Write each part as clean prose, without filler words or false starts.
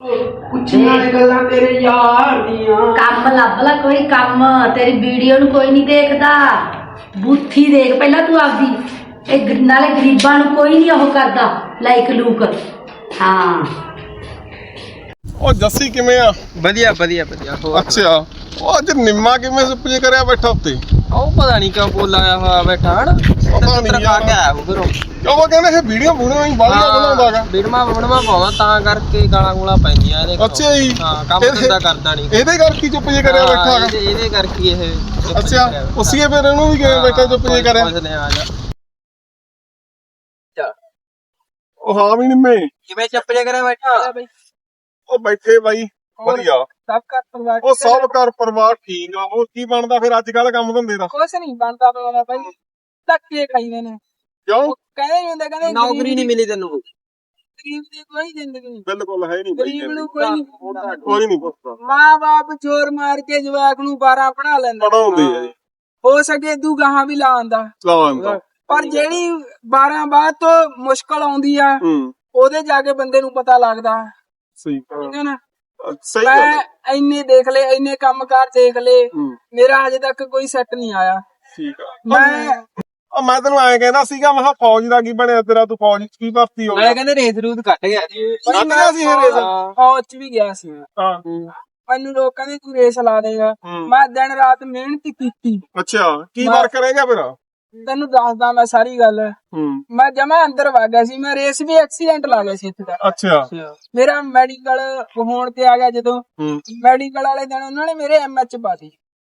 ਕੰਮ ਲੱਭ ਲਾ ਕੋਈ ਕੰਮ। ਤੇਰੀ ਵੀਡੀਓ ਨੂੰ ਕੋਈ ਨਹੀਂ ਦੇਖਦਾ। ਬੁੱਥੀ ਦੇਖ ਪਹਿਲਾਂ ਤੂੰ ਆਪਦੀ। ਇਹ ਨਾਲੇ ਗਰੀਬਾਂ ਨੂੰ ਕੋਈ ਨਹੀਂ ਉਹ ਕਰਦਾ ਲਾਈਕ ਲੂਕ। ਹਾਂ ਉਹ ਜੱਸੀ ਕਿਵੇਂ ਆ? ਵਧੀਆ ਵਧੀਆ ਵਧੀਆ। ਅੱਛਾ ਉਹ ਅੱਜ ਨਿੰਮਾ ਕਿਵੇਂ ਸੁੱਪ ਜੇ ਕਰਿਆ ਬੈਠਾ ਉੱਤੇ? ਉਹ ਪਤਾ ਨਹੀਂ ਕਿਉਂ ਬੋਲ ਆਇਆ ਹੋਇਆ ਬੈਠਾ ਹਨ। ਪਤਾ ਨਹੀਂ ਖਾ ਕੇ ਆਇਆ ਉਹ ਘਰੋਂ। ਉਹ ਕਹਿੰਦੇ ਇਹ ਵੀਡੀਓ ਬੁਣੀਆਂ ਹੀ ਬਾਲੀਆਂ ਬਣਾਉਂਦਾਗਾ। ਵੀਡਮਾ ਪਾਉਂਦਾ ਤਾਂ ਕਰਕੇ ਗਾਲਾਂ ਗੂਲਾਂ ਪੈਂਦੀਆਂ ਇਹਦੇ ਕੋਲ। ਅੱਛਾ ਜੀ। ਹਾਂ ਕੰਮ ਧੰਦਾ ਕਰਦਾ ਨਹੀਂ। ਇਹਦੇ ਕਰਕੇ ਚੁੱਪ ਜੇ ਕਰਿਆ ਬੈਠਾ ਹੈਗਾ। ਇਹਦੇ ਕਰਕੇ ਇਹ ਅੱਛਾ ਉਸੀਏ ਫਿਰ ਇਹਨੂੰ ਵੀ ਕਿਵੇਂ ਬੈਠਾ ਚੁੱਪ ਜੇ ਕਰਿਆ? ਉਹ ਹਾਂ ਵੀ ਨਿੰਮੇ ਕਿਵੇਂ ਚੁੱਪ ਜੇ ਕਰਿਆ ਬੈਠਾ ਬਈ? ਉਹ ਬੈਠੇ ਬਾਈ ਵਧੀਆ। ਸਭ ਘਰ ਪਰਿਵਾਰ ਉਹ ਸਭ ਘਰ ਪਰਿਵਾਰ ਠੀਕ ਆ। ਹੋਰ ਕੀ ਬਣਦਾ ਫਿਰ ਅੱਜ ਕੱਲ ਕੰਮ ਧੰਦੇ ਦਾ? ਕੁਛ ਨਹੀਂ ਬਣਦਾ ਪਿਆ ਬਾਈ। ਧੱਕੇ ਖਾਈਦੇ ਨੇ। ਕਿਉਂ? ਕਹਿੰਦੇ ਨਹੀਂ ਹੁੰਦੇ ਕਹਿੰਦੇ ਨੌਕਰੀ ਨਹੀਂ ਮਿਲੀ ਤੈਨੂੰ। ਗਰੀਬ ਦੀ ਕੋਈ ਜ਼ਿੰਦਗੀ ਨਹੀਂ। ਬਿਲਕੁਲ ਹੈ ਨਹੀਂ ਗਰੀਬ ਨੂੰ ਕੋਈ ਨਹੀਂ ਕੋਈ ਨਹੀਂ ਪੁੱਛਦਾ। ਮਾਂ ਬਾਪ ਜ਼ੋਰ ਮਾਰ ਕੇ ਜਵਾਕ ਨੂੰ 12 ਪੜਾ ਲੈਂਦਾ। ਪੜਾਉਂਦੇ ਆ ਜੀ। ਹੋ ਸਕੇ ਤੂੰ ਗਾਹਾਂ ਵੀ ਲਾ ਆਂਦਾ। ਲਾਉਂਦਾ ਪਰ ਜਿਹੜੀ 12 ਬਾਅਦ ਤੋਂ ਮੁਸ਼ਕਲ ਆਉਂਦੀ ਆ ਉਹਦੇ ਜਾ ਕੇ ਬੰਦੇ ਨੂੰ ਪਤਾ ਲੱਗਦਾ। ਸਹੀ ਠੀਕ ਹੈ ਨਾ? ਸਹੀ ਗੱਲ ਮੈਂ ਇੰਨੇ ਦੇਖ ਲਏ, ਇੰਨੇ ਕੰਮਕਾਰ ਦੇਖ ਲਏ, ਮੇਰਾ ਹਜੇ ਤੱਕ ਕੋਈ ਸੈੱਟ ਨਹੀਂ ਆਇਆ। ਠੀਕ ਆ। ਮੈਂ ਤੈਨੂੰ ਐਂ ਕਹਿੰਦਾ ਸੀਗਾ ਮੈਂ ਕਿਹਾ ਫੌਜ ਦਾ ਕੀ ਬਣਿਆ ਤੇਰਾ? ਤੂੰ ਫੌਜ ਚ ਕੀ ਭਰਤੀ ਹੋ ਗਿਆ? ਕਹਿੰਦੇ ਰੇਤ ਰੂਤ ਕੱਟ ਗਿਆ ਜੀ। ਸੀ ਇਹ ਰੇਸ? ਫੌਜ ਚ ਵੀ ਗਿਆ ਸੀ ਮੈਂ। ਹਾਂ ਮੈਨੂੰ ਲੋਕ ਕਹਿੰਦੇ ਤੂੰ ਰੇਸ ਲਾ ਦੇਗਾ। ਮੈਂ ਦਿਨ ਰਾਤ ਮਿਹਨਤ ਕੀਤੀ। ਅੱਛਾ ਕੀ ਵਾਰ ਕਰੇਗਾ ਫਿਰ? ਤੈਨੂੰ ਦੱਸਦਾ ਮੈਂ ਸਾਰੀ ਗੱਲ। ਮੈਂ ਜਮਾ ਅੰਦਰ ਵਗ ਗਿਆ ਸੀ। ਮੈਂ ਰੇਸ ਵੀ ਐਕਸੀਡੈਂਟ ਲਾ ਗਿਆ ਸੀ ਇੱਥੇ ਦਾ। ਅੱਛਾ ਮੇਰਾ ਮੈਡੀਕਲ ਹੋਣ ਤੇ ਆ ਗਿਆ ਜਦੋਂ। ਮੈਡੀਕਲ ਵਾਲੇ ਦਿਨ ਉਹਨਾਂ ਨੇ ਮੇਰੇ ਐਮਐਚ ਪਾਤੀ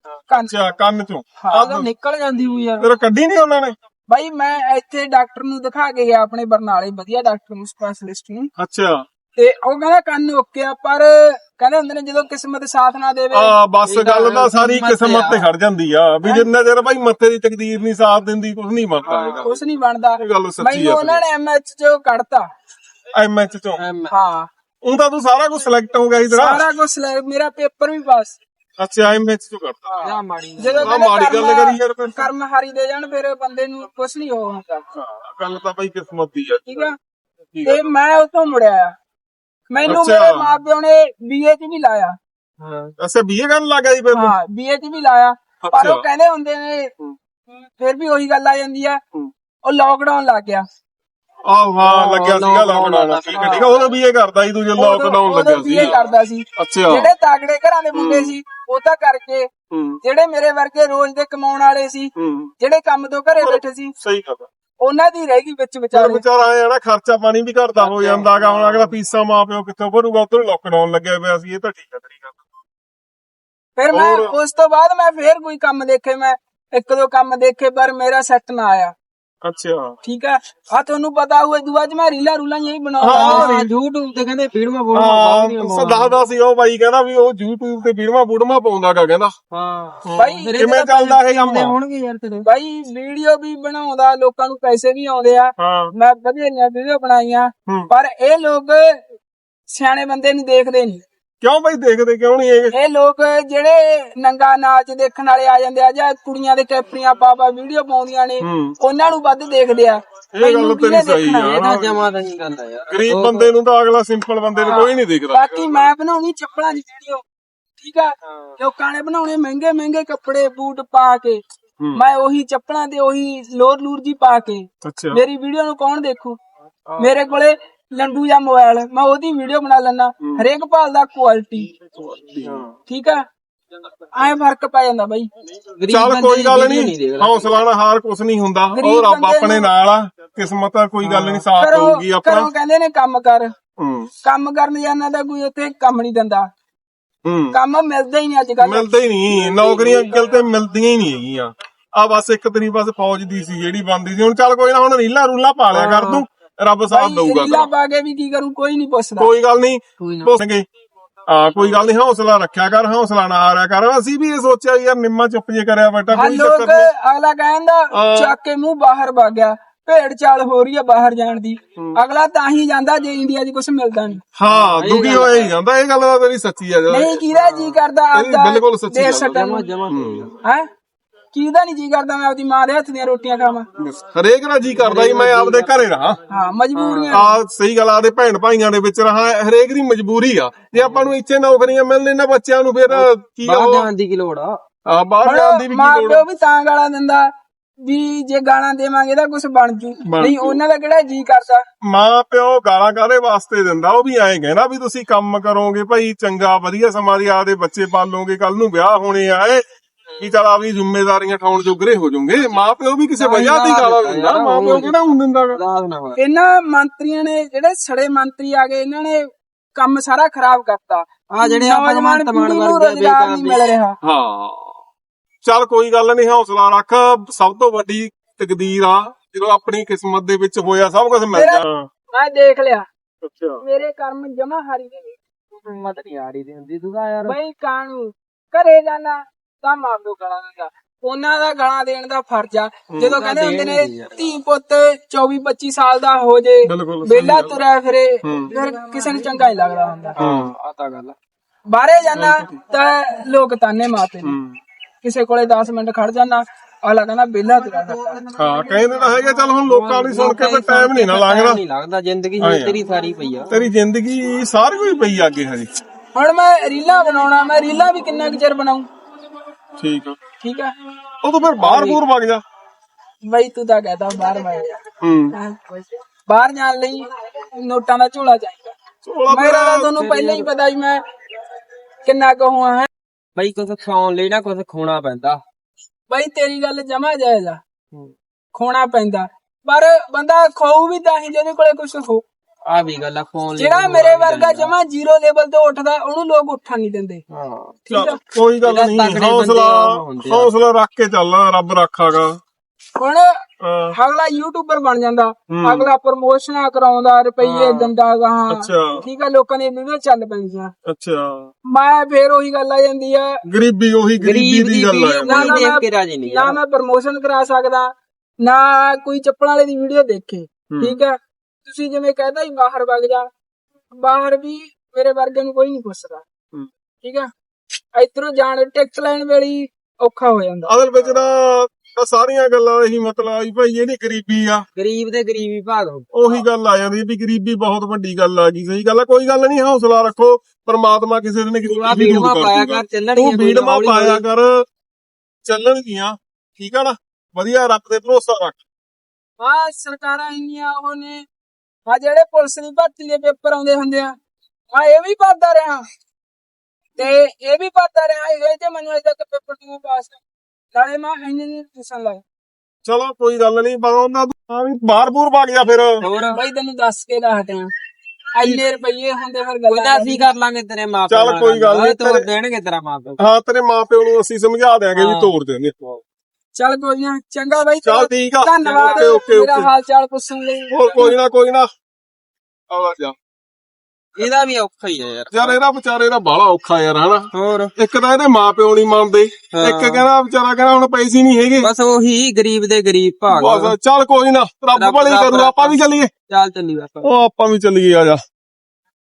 ਕੰਨ ਚੋਂ। ਹਾਂ ਨਿਕਲ ਜਾਂਦੀ ਹੋਈ ਯਾਰ। ਤੇਰਾ ਕੱਢੀ ਨੀ ਉਹਨਾਂ ਨੇ? ਬਾਈ ਮੈਂ ਇੱਥੇ ਡਾਕਟਰ ਨੂੰ ਦਿਖਾ ਕੇ ਗਿਆ, ਆਪਣੇ ਬਰਨਾਲੇ ਵਧੀਆ ਡਾਕਟਰ ਨੂੰ, ਸਪੈਸ਼ਲਿਸਟ ਨੂੰ। ਅੱਛਾ ਤੇ ਉਹ ਕਹਿੰਦਾ ਕੰਨ ਓਕੇ ਆ, ਪਰ ਕਹਿੰਦੇ ਹੁੰਦੇ ਨੇ ਜਦੋਂ ਕਿਸਮਤ ਸਾਥ ਨਾ ਦੇਵੇ। ਬਸ ਗੱਲ ਤਾਂ ਸਾਰੀ ਕਿਸਮਤ ਤੇ ਖੜ ਜਾਂਦੀ ਆ ਵੀ ਜਿੰਨਾ ਚਿਰ ਭਾਈ ਮੱਥੇ ਦੀ ਤਕਦੀਰ ਨਹੀਂ ਸਾਥ ਦਿੰਦੀ ਕੁਝ ਨਹੀਂ ਬਣਦਾ। ਕੁਝ ਨਹੀਂ ਬਣਦਾ। ਗੱਲ ਸੱਚੀ ਮੈਨੂੰ ਆ। ਉਹਨਾਂ ਨੇ ਐਮਐਚ ਚੋਂ ਕੱਢਤਾ। ਐਮਐਚ ਚੋਂ? ਹਾਂ ਉਹ ਤਾਂ ਤੂੰ ਸਾਰਾ ਕੁਝ ਸਿਲੈਕਟ ਹੋ ਗਿਆ ਸੀ ਤੇਰਾ? ਸਾਰਾ ਕੁਝ ਮੇਰਾ ਪੇਪਰ ਵੀ ਪਾਸ। ਅੱਛਾ ਐਮਐਚ ਚੋਂ ਕਰਤਾ। ਜਦੋਂ ਮਾੜੀ ਗੱਲ ਕਰੀ ਯਾਰ ਫਿਰ। ਕਰਮ ਹਾਰੀ ਦੇ ਜਾਣ ਫਿਰ ਬੰਦੇ ਨੂੰ ਕੁਝ ਨਹੀਂ ਹੋ ਹੁੰਦਾ। ਗੱਲ ਤਾਂ ਭਾਈ ਕਿਸਮਤ ਦੀ ਆ। ਠੀਕ ਆ। ਤੇ ਮੈਂ ਉਤੋਂ ਮੁੜਿਆ। ਮੈਨੂੰ ਮੇਰੇ ਮਾਪਿਓ ਨੇ ਬੀਏ ਚ ਵੀ ਲਾਇਆ। ਅੱਛਾ ਬੀਏ ਕਰਨ ਲੱਗ ਗਿਆ ਜੀ ਫਿਰ? ਹਾਂ ਬੀਏ ਚ ਵੀ ਲਾਇਆ, ਪਰ ਉਹ ਕਹਿੰਦੇ ਹੁੰਦੇ ਨੇ ਫਿਰ ਵੀ ਉਹੀ ਗੱਲ ਆ ਜਾਂਦੀ ਆ। ਉਹ ਲਾਕਡਾਊਨ ਲੱਗ ਗਿਆ। ਆਹ ਹਾਂ ਲੱਗਿਆ ਸੀਗਾ ਲਾਕਡਾਊਨ। ਠੀਕ ਹੈ ਠੀਕ ਹੈ। ਉਦੋਂ ਬੀਏ ਕਰਦਾ ਸੀ ਤੂੰ ਜਦੋਂ ਲਾਕਡਾਊਨ ਲੱਗਿਆ ਸੀ? ਬੀਏ ਕਰਦਾ ਸੀ। ਅੱਛਾ ਜਿਹੜੇ ਤਾਗੜੇ ਘਰਾਂ ਦੇ ਮੁੰਡੇ ਸੀ ਉਹ ਤਾਂ ਕਰਕੇ, ਜਿਹੜੇ ਮੇਰੇ ਵਰਗੇ ਰੋਜ਼ ਦੇ ਕਮਾਉਣ ਵਾਲੇ ਸੀ, ਜਿਹੜੇ ਕੰਮ ਤੋਂ ਘਰੇ ਬੈਠੇ ਸੀ, ਸਹੀ ਗੱਲ ਉਹਨਾਂ ਦੀ ਰਹਿ ਗਈ ਵਿੱਚ ਵਿਚਾਰੇ। ਵਿਚਾਰਾ ਆਇਆ ਨਾ ਖਰਚਾ ਪਾਣੀ ਵੀ ਘਟਦਾ ਹੋ ਜਾਂਦਾਗਾ। ਹੁਣ ਅਗਲਾ ਫੀਸਾਂ ਮਾਂ ਪਿਓ ਕਿੱਥੋਂ ਭਰੂਗਾ? ਉੱਧਰ ਲਾਕਡਾਊਨ ਲੱਗਿਆ ਪਿਆ ਸੀ। ਇਹ ਤਾਂ ਠੀਕ ਹੈ ਤੇਰੀ ਗੱਲ। ਫਿਰ ਮੈਂ ਉਸ ਤੋਂ ਬਾਅਦ ਮੈਂ ਫੇਰ ਕੋਈ ਕੰਮ ਦੇਖੇ, ਮੈਂ ਇੱਕ ਦੋ ਕੰਮ ਦੇਖੇ, ਪਰ ਮੇਰਾ ਸੈੱਟ ਨਾ ਆਇਆ। ਅੱਛਾ ਠੀਕ ਹੈ। ਆ ਤੁਹਾਨੂੰ ਪਤਾ ਹੋਏ ਦੁਆ ਚ ਮੈਂ ਰੀਲਾ ਰੂਲਾਂ ਯਹੀ ਬਣਾਉਂਦਾ। YouTube ਤੇ ਕਹਿੰਦੇ ਵੀਡੀਓਆਂ ਦੱਸਦਾ ਸੀ ਉਹ ਬਾਈ ਕਹਿੰਦਾ ਵੀ ਉਹ YouTube ਤੇ ਵੀਡੀਓਆਂ ਪਾਉਂਦਾਗਾ ਕਹਿੰਦਾ। ਹਾਂ ਬਾਈ ਕਿਵੇਂ ਚੱਲਦਾ ਇਹ ਕੰਮ? ਹੋਣਗੇ ਯਾਰ ਤੇਰੇ ਬਾਈ ਵੀਡੀਓ ਵੀ ਬਣਾਉਂਦਾ, ਲੋਕਾਂ ਨੂੰ ਪੈਸੇ ਵੀ ਆਉਂਦੇ ਆ। ਮੈਂ ਵਧੀਆ ਵੀਡੀਓ ਬਣਾਈਆਂ, ਪਰ ਇਹ ਲੋਕ ਸਿਆਣੇ ਬੰਦੇ ਨੂੰ ਦੇਖਦੇ ਨਹੀਂ। ਕਿਉਂ ਬਾਈ ਦੇਖਦੇ ਕਿਉਂ ਨਹੀਂ? ਇਹ ਲੋਕ ਜਿਹੜੇ ਨੰਗਾ ਨਾਚ ਦੇਖਣ ਵਾਲੇ ਆ ਜਾਂਦੇ ਆ, ਜਾਂ ਕੁੜੀਆਂ ਦੇ ਕੈਪਰੀਆਂ ਪਾ ਵੀਡੀਓ ਪਾਉਂਦੀਆਂ ਨੇ, ਉਹਨਾਂ ਨੂੰ ਵੱਧ ਦੇਖਦੇ ਆ। ਇਹ ਗੱਲ ਤੇਰੀ ਸਹੀ ਆ। ਇਹ ਤਾਂ ਜਮਾ ਤਾਂ ਨਹੀਂ ਕਰਦਾ ਯਾਰ। ਗਰੀਬ ਬੰਦੇ ਨੂੰ ਤਾਂ ਅਗਲਾ ਸਿੰਪਲ ਬੰਦੇ ਨੂੰ ਕੋਈ ਨਹੀਂ ਦੇਖਦਾ। ਬਾਕੀ ਮੈਂ ਬਣਾਉਣੀ ਚੱਪਲਾਂ ਦੀ ਵੀਡੀਓ। ਠੀਕ ਆ। ਲੋਕਾਂ ਨੇ ਬਣਾਉਣੇ ਮਹਿੰਗੇ ਮਹਿੰਗੇ ਕੱਪੜੇ ਬੂਟ ਪਾ ਕੇ, ਮੈਂ ਉਹੀ ਚੱਪਲਾਂ ਤੇ ਉਹੀ ਲੋਰ ਲੂਰ ਜੀ ਪਾ ਕੇ। ਮੇਰੀ ਵੀਡੀਓ ਨੂੰ ਕੌਣ ਦੇਖੂ? ਮੇਰੇ ਕੋਲੇ ਲੰਡੂ ਜਾਂ ਮੋਬਾਈਲ, ਮੈਂ ਉਹਦੀ ਵੀਡੀਓ ਬਣਾ ਲੈਣਾ। ਹਰੇਕ ਭਾਲਦਾ ਕੁਆਲਿਟੀ। ਠੀਕ ਆ। ਐ ਫਰਕ ਪੈ ਜਾਂਦਾ ਬਾਈ। ਚੱਲ ਕੋਈ ਗੱਲ ਨੀ, ਹੌਸਲਾ ਨਾਲ ਹਾਰ ਕੁਛ ਨੀ ਹੁੰਦਾ। ਉਹ ਰੱਬ ਆਪਣੇ ਨਾਲ ਆ। ਕਿਸਮਤ ਆ, ਕੋਈ ਗੱਲ ਨੀ, ਸਾਥ ਹੋਊਗੀ ਆਪਣਾ। ਕਹਿੰਦੇ ਨੇ ਕੰਮ ਕਰ, ਕੰਮ ਕਰਨ ਜਾਣਾ ਤਾਂ ਕੋਈ ਉੱਥੇ ਕੰਮ ਨੀ ਦਿੰਦਾ। ਕੰਮ ਮਿਲਦਾ ਹੀ ਨਹੀਂ ਅੱਜ ਕੱਲ। ਮਿਲਦਾ ਹੀ ਨਹੀਂ। ਨੌਕਰੀਆਂ ਅੱਜਕੱਲ ਤੇ ਮਿਲਦੀਆਂ ਹੀ ਨਹੀਂ ਹੈਗੀਆਂ। ਆ ਬਸ ਇੱਕ ਤੇਰੀ ਬਸ ਫੌਜ ਦੀ ਸੀ ਜਿਹੜੀ ਬਣਦੀ ਸੀ। ਹੁਣ ਚੱਲ ਕੋਈ ਨਾ, ਹੁਣ ਰੀਲਾ ਰੂਲਾ ਪਾ ਲਿਆ ਕਰ ਤੂੰ, ਰੱਬ ਸਾਥ ਦਊਗਾ। ਰੀਲਾ ਪਾ ਕੇ ਵੀ ਕੀ ਕਰੂੰ? ਕੋਈ ਨੀ ਪੁੱਛਦਾ। ਕੋਈ ਗੱਲ ਨੀ ਪੁੱਛਣਗੇ। ਕੋਈ ਗੱਲ ਨੀ, ਹੌਸਲਾ ਰੱਖਿਆ ਕਰ, ਹੌਸਲਾ ਨਾ ਹਾਰਿਆ ਕਰ। ਅਸੀਂ ਵੀ ਇਹ ਸੋਚਿਆ ਯਾਰ ਨਿੰਮਾ ਚੁੱਪ ਜੇ ਕਰਿਆ ਬੈਠਾ, ਕੋਈ ਚੱਕਰ ਨੀ। ਅਗਲਾ ਕਹਿੰਦਾ ਚੱਕ ਕੇ ਮੂੰਹ ਬਾਹਰ ਵਗ ਗਿਆ, ਭੇਡ ਚਾਲ ਹੋ ਰਹੀ ਆ ਬਾਹਰ ਜਾਣ ਦੀ। ਅਗਲਾ ਤਾਂ ਹੀ ਜਾਂਦਾ ਜੇ ਇੰਡੀਆ 'ਚ ਕੁਛ ਮਿਲਦਾ ਨੀ। ਹਾਂ ਦੁਖੀ ਹੋਇਆ ਹੀ ਜਾਂਦਾ। ਇਹ ਗੱਲ ਤਾਂ ਤੇਰੀ ਸੱਚੀ ਆ। ਨਹੀਂ ਕਿਹਦਾ ਜੀ ਕਰਦਾ ਆਪਦਾ ਬਿਲਕੁਲ ਸੱਚੀ ਦੇਸ਼ ਛੱਡਣ ਨੂੰ? ਹੈ ਕਿਹਦਾ ਨਹੀਂ ਜੀ ਕਰਦਾ ਮੈਂ ਆਪਦੀ ਮਾਂ ਦੇ ਹੱਥ ਦੀਆਂ ਰੋਟੀਆਂ ਖਾਵਾਂ। ਹਰੇਕ ਦਾ ਜੀ ਕਰਦਾ ਜੀ ਮੈਂ ਆਪਦੇ ਘਰੇ ਰਹਾ। ਹਾਂ ਮਜਬੂਰੀਆਂ ਆ ਸਹੀ ਗੱਲ, ਆਦੇ ਭੈਣ ਭਾਈਆਂ ਦੇ ਵਿੱਚ ਰਹਾ, ਹਰੇਕ ਦੀ ਮਜਬੂਰੀ ਆ। ਜੇ ਆਪਾਂ ਨੂੰ ਇੱਥੇ ਨੌਕਰੀਆਂ ਮਿਲਣ ਇਹਨਾਂ ਬੱਚਿਆਂ ਨੂੰ ਫਿਰ ਕੀ ਬਾਹਰ ਜਾਣ ਦੀ ਕੀ ਲੋੜ ਆ? ਬਾਹਰ ਜਾਣ ਦੀ ਵੀ ਮਾਂ ਕੀ ਲੋੜ ਪਿਓ ਵੀ ਤਾਂ ਗਾਲਾਂ ਦਿੰਦਾ ਵੀ ਜੇ ਗਾਲਾਂ ਦੇਵਾਂਗੇ ਤਾਂ ਕੁਝ ਬਣ ਜੂ, ਨਹੀਂ ਉਹਨਾਂ ਦਾ ਕਿਹੜਾ ਜੀ ਕਰਦਾ। ਮਾਂ ਪਿਓ ਗਾਲਾਂ ਕਾਹਦੇ ਵਾਸਤੇ ਦਿੰਦਾ? ਉਹ ਵੀ ਐਂ ਕਹਿੰਦਾ ਵੀ ਤੁਸੀਂ ਕੰਮ ਕਰੋਗੇ ਭਾਈ ਚੰਗਾ ਵਧੀਆ ਸਮਾਂ ਦੀ ਆਦੇ ਬੱਚੇ ਪਾਲੋਗੇ, ਕੱਲ ਨੂੰ ਵਿਆਹ ਹੋਣੇ ਆਏ ਵੀ ਚਲ ਆਪਣੀ ਜ਼ਿੰਮੇਵਾਰੀਆਂ ਠਾਉਣ ਜੋਗਰੇ ਹੋ ਜਾਓਗੇ। ਮਾਂ ਪਿਓ ਵੀ ਕਿਸੇ ਵਜ੍ਹਾ ਦੀ ਗਾਲਾਂ ਦਿੰਦਾ, ਮਾਂ ਪਿਓ ਕਿਹੜਾ ਹੁਣ ਦਿੰਦਾ ਗਾ। ਰਾਤ ਨਾ ਹੋਇਆ ਇਹਨਾਂ ਮੰਤਰੀਆਂ ਨੇ ਜਿਹੜੇ ਸੜੇ ਮੰਤਰੀ ਆ ਗਏ ਇਹਨਾਂ ਨੇ ਕੰਮ ਸਾਰਾ ਖਰਾਬ ਕਰਤਾ। ਆ ਜਿਹੜੇ ਆਪਾਂ ਨੌਜਵਾਨ ਤਮਾਨ ਪੀੜ੍ਹੀ ਨੂੰ ਵਰਗੇ ਰੁਜ਼ਗਾਰ ਨਹੀਂ ਮਿਲ ਰਿਹਾ। ਹਾਂ ਚੱਲ ਕੋਈ ਗੱਲ ਨਹੀਂ, ਹੌਸਲਾ ਰੱਖ। ਸਭ ਤੋਂ ਵੱਡੀ ਤਕਦੀਰ ਆ ਜਦੋਂ ਆਪਣੀ ਕਿਸਮਤ ਦੇ ਵਿੱਚ ਹੋਇਆ ਸਭ ਕੁਝ ਮਿਲ ਜਾ। ਮੈਂ ਦੇਖ ਲਿਆ ਅੱਛਾ ਮੇਰੇ ਕਰਮ ਜਮਾ ਹਾਰੀ ਦੇ ਨਹੀਂ। ਹਿੰਮਤ ਨਹੀਂ ਆ ਰਹੀ ਦੀ ਹੁੰਦੀ ਤੂੰ ਤਾਂ ਯਾਰ। ਬਈ ਕਾਣੂ ਘਰੇ ਜਾਣਾ ਤਾਂ ਮਾਂ ਪਿਓ ਗਾਲਾਂ ਦਿੰਦਾ, ਉਹਨਾਂ ਦਾ ਗਾਲਾਂ ਦੇਣ ਦਾ ਫਰਜ਼ ਆ। ਜਦੋਂ ਕਹਿੰਦੇ ਹੁੰਦੇ ਨੇ ਧੀ ਪੁੱਤ 24-25 ਸਾਲ ਦਾ ਹੋ ਜੇ ਬਿਲਕੁਲ ਵਿਹਲਾ ਤੁਰਿਆ ਫਿਰੇ, ਫਿਰ ਕਿਸੇ ਨੂੰ ਚੰਗਾ ਨਹੀਂ ਲੱਗਦਾ ਹੁੰਦਾ। ਆ ਤਾਂ ਗੱਲ ਆ। ਬਾਹਰੇ ਜਾਣਾ ਤਾਂ ਲੋਕ ਤਾਨੇ ਮਾਰਦੇ ਨੇ, ਕਿਸੇ ਕੋਲੇ 10 ਮਿੰਟ ਖੜ ਜਾਣਾ ਅਗਲਾ ਕਹਿੰਦਾ ਵਿਹਲਾ ਤੁਰਿਆ ਫਿਰਦਾ। ਹਾਂ ਕਹਿੰਦੇ ਤਾਂ ਹੈਗੇ, ਚੱਲ ਹੁਣ ਲੋਕਾਂ ਦੀ ਸੁਣ ਕੇ ਤਾਂ ਟਾਈਮ ਨਹੀਂ ਨਾ ਲੱਗਦਾ। ਨਹੀਂ ਲੱਗਦਾ, ਜ਼ਿੰਦਗੀ ਹੁਣ ਤੇਰੀ ਸਾਰੀ ਪਈ ਆ। ਤੇਰੀ ਜ਼ਿੰਦਗੀ ਸਾਰੀ ਕੋਈ ਪਈ ਆ ਅੱਗੇ ਹਜੇ। ਹੁਣ ਮੈਂ ਰੀਲਾਂ ਬਣਾਉਣਾ, ਮੈਂ ਰੀਲਾਂ ਵੀ ਕਿੰਨਾ ਕੁ ਚਿਰ ਬਣਾਉਂ। ਠੀਕ ਆ, ਠੀਕ ਆ ਉਹ ਤਾਂ ਫਿਰ ਬਾਹਰ ਬੂਰ ਵਗ ਜਾ। ਬਈ ਤੂੰ ਤਾਂ ਕਹਦਾ ਬਾਹਰ ਮੈਂ ਹੂੰ ਬਾਹਰ ਜਾਣ ਲਈ ਨੋਟਾਂ ਦਾ ਝੋਲਾ ਚਾਹੀਦਾ। ਮੇਰਾ ਤਾਂ ਤੁਹਾਨੂੰ ਪਹਿਲਾਂ ਹੀ ਪਤਾ ਵੀ ਮੈਂ ਕਿੰਨਾ ਕਹੂੰ ਹੈ। ਬਈ ਕੁਛ ਖਾਣ ਲਈ ਨਾ ਕੁਛ ਖੋਣਾ ਪੈਂਦਾ। ਬਈ ਤੇਰੀ ਗੱਲ ਜਮਾ ਜਾਇਜ਼ ਆ, ਖੋਣਾ ਪੈਂਦਾ, ਪਰ ਬੰਦਾ ਖਾਊ ਵੀ ਤਾਂ ਹੀ ਜਿਹਦੇ ਕੋਲੇ ਕੁਛ ਹੋ। ਆ ਵੀ ਗੱਲ ਆ, ਖਾਣ ਲਈ ਜਿਹੜਾ ਮੇਰੇ ਵਰਗਾ ਜਮਾ 0 ਲੈਵਲ ਤੇ ਉੱਠਦਾ ਉਹਨੂੰ ਲੋਕ ਉੱਠਣ ਨਹੀਂ ਦਿੰਦੇ। ਹਾਂ ਠੀਕ ਆ ਕੋਈ ਗੱਲ ਨਹੀਂ, ਹੌਸਲਾ ਰੱਖ ਕੇ ਚੱਲ, ਰੱਬ ਰੱਖਾਗਾ। ਹੁਣ ਅਗਲਾ ਯੂਟਿਊਬਰ ਬਣ ਜਾਂਦਾ, ਅਗਲਾ ਪ੍ਰਮੋਸ਼ਨਾਂ ਕਰਾਉਂਦਾ, ਰੁਪਈਏ ਦਿੰਦਾ ਗਾਹਾਂ। ਠੀਕ ਆ ਲੋਕਾਂ ਦੀ ਵੀਡੀਓ ਚੱਲ ਪੈਂਦੀਆਂ। ਅੱਛਾ ਮੈਂ ਫੇਰ ਉਹੀ ਗੱਲ ਆ ਜਾਂਦੀ ਆ, ਗਰੀਬੀ ਉਹੀ ਗਰੀਬੀ ਦੀ ਗੱਲ ਆ। ਨਾ ਦੇਖ ਕੇ ਰਾਜੀ ਨਹੀਂ ਨਾ ਮੈਂ ਪ੍ਰਮੋਸ਼ਨ ਕਰਾ ਸਕਦਾ, ਨਾ ਕੋਈ ਚੱਪਲਾਂ ਵਾਲੇ ਦੀ ਵੀਡੀਓ ਦੇਖੇ। ਠੀਕ ਆ ਤੁਸੀਂ ਜਿਵੇਂ ਕਹਿੰਦਾ ਹੀ ਬਾਹਰ ਵਗ ਜਾ, ਬਾਹਰ ਵੀ ਮੇਰੇ ਵਰਗੇ ਨੂੰ ਕੋਈ ਨਹੀਂ ਪੁੱਛਦਾ। ਠੀਕ ਆ ਇਧਰੋਂ ਜਾਣ ਟਿਕਟ ਲੈਣ ਵੇਲੇ ਔਖਾ ਹੋ ਜਾਂਦਾ। ਅਸਲ ਵਿੱਚ ਤਾਂ ਸਾਰੀਆਂ ਗੱਲਾਂ ਇਹੀ ਮਤਲਬ ਆ ਵੀ ਭਾਈ ਜਿਹੜੀ ਗਰੀਬੀ ਆ, ਗਰੀਬ ਦੇ ਗਰੀਬੀ ਭਾਗ ਉਹੀ ਗੱਲ ਆ ਜਾਂਦੀ ਵੀ ਗਰੀਬੀ ਬਹੁਤ ਵੱਡੀ ਗੱਲ ਆ ਗਈ। ਸਹੀ ਗੱਲ ਆ, ਕੋਈ ਗੱਲ ਨਹੀਂ, ਹੌਸਲਾ ਰੱਖੋ, ਪਰਮਾਤਮਾ ਕਿਸੇ ਦਿਨ ਕਿਸੇ ਦੀ ਵੀਡਮਾ ਪਾਇਆ ਕਰ, ਚੱਲਣਗੀਆਂ। ਤੂੰ ਵੀਡਮਾ ਪਾਇਆ ਕਰ, ਚੱਲਣਗੀਆਂ। ਠੀਕ ਆ ਨਾ, ਵਧੀਆ ਰੱਬ ਤੇ ਭਰੋਸਾ ਰੱਖ। ਹਾਂ ਸਰਕਾਰਾਂ ਇੰਨੀਆਂ ਉਹ ਨੇ, ਆ ਜਿਹੜੇ ਪੁਲਿਸ ਦੀ ਭਰਤੀ ਦੇ ਪੇਪਰ ਆਉਂਦੇ ਹੁੰਦੇ ਆ, ਆ ਇਹ ਵੀ ਭਰਦਾ ਰਿਹਾ ਤੇ ਇਹ ਵੀ ਭਰਦਾ ਰਿਹਾ, ਇਹ ਤੇ ਮੈਨੂੰ ਅਜੇ ਤੱਕ ਪੇਪਰ ਨਹੀਂ ਪਾਸ। ਨਾਲੇ ਮੈਂ ਇੰਨੇ ਨਹੀਂ ਟਿਊਸ਼ਨ ਲਾਇਆ। ਚਲੋ ਕੋਈ ਗੱਲ ਨਹੀਂ, ਪਰ ਉਹਨਾਂ ਨੂੰ ਵੀ ਬਾਹਰ ਬੂਰ ਵਗ ਜਾ ਫਿਰ। ਹੋਰ ਬਈ ਤੈਨੂੰ ਦੱਸ ਕੇ ਦਾ ਹਟਿਆ, ਇੰਨੇ ਰੁਪਈਏ ਹੁੰਦੇ ਫਿਰ ਕੋਈ ਗੱਲਾਂ ਤਾਂ ਅਸੀਂ ਕਰ ਲਾਂਗੇ ਤੇਰੇ ਮਾਂ ਪਿਓ ਚੱਲ ਕੋਈ ਗੱਲ ਨੀ, ਤੋੜ ਦੇਣਗੇ ਤੇਰਾ ਮਾਂ ਪਿਓ। ਹਾਂ ਤੇਰੇ ਮਾਪਿਓ ਨੂੰ ਅਸੀਂ ਸਮਝਾ ਦਿਆਂਗੇ ਵੀ ਤੋੜ ਦੇਣਗੇ। ਚੱਲ ਕੋਈ ਨਾ, ਚੰਗਾ ਬਾਈ, ਚੱਲ ਠੀਕ ਆ, ਧੰਨਵਾਦ ਓਕੇ ਮੇਰਾ ਹਾਲ ਚਾਲ ਪੁੱਛਣ ਲਈ। ਹੋਰ ਕੋਈ ਨਾ ਆਵਾ ਜਾ। ਇਹਦਾ ਵੀ ਔਖਾ ਹੀ ਆ ਯਾਰ ਇਹਦਾ ਵਿਚਾਰੇ ਦਾ ਬਾਹਲਾ ਔਖਾ ਯਾਰ, ਹਨਾ। ਹੋਰ ਇੱਕ ਤਾਂ ਇਹਦੇ ਮਾਪਿਓ ਨਹੀਂ ਮੰਨਦੇ, ਇੱਕ ਕਹਿੰਦਾ ਵਿਚਾਰਾ ਕਹਿੰਦਾ ਹੁਣ ਪੈਸੇ ਨਹੀਂ ਹੈਗੇ। ਬਸ ਉਹੀ ਗਰੀਬ ਦੇ ਗਰੀਬ ਭਾਗ। ਬਸ ਚੱਲ ਕੋਈ ਨਾ, ਰੱਬ ਭਲੀ ਕਰੂ, ਆਪਾਂ ਵੀ ਚੱਲੀਏ। ਚੱਲ ਚੱਲੀ ਬਸ। ਉਹ ਆਪਾਂ ਵੀ ਚੱਲੀਏ, ਆ ਜਾ।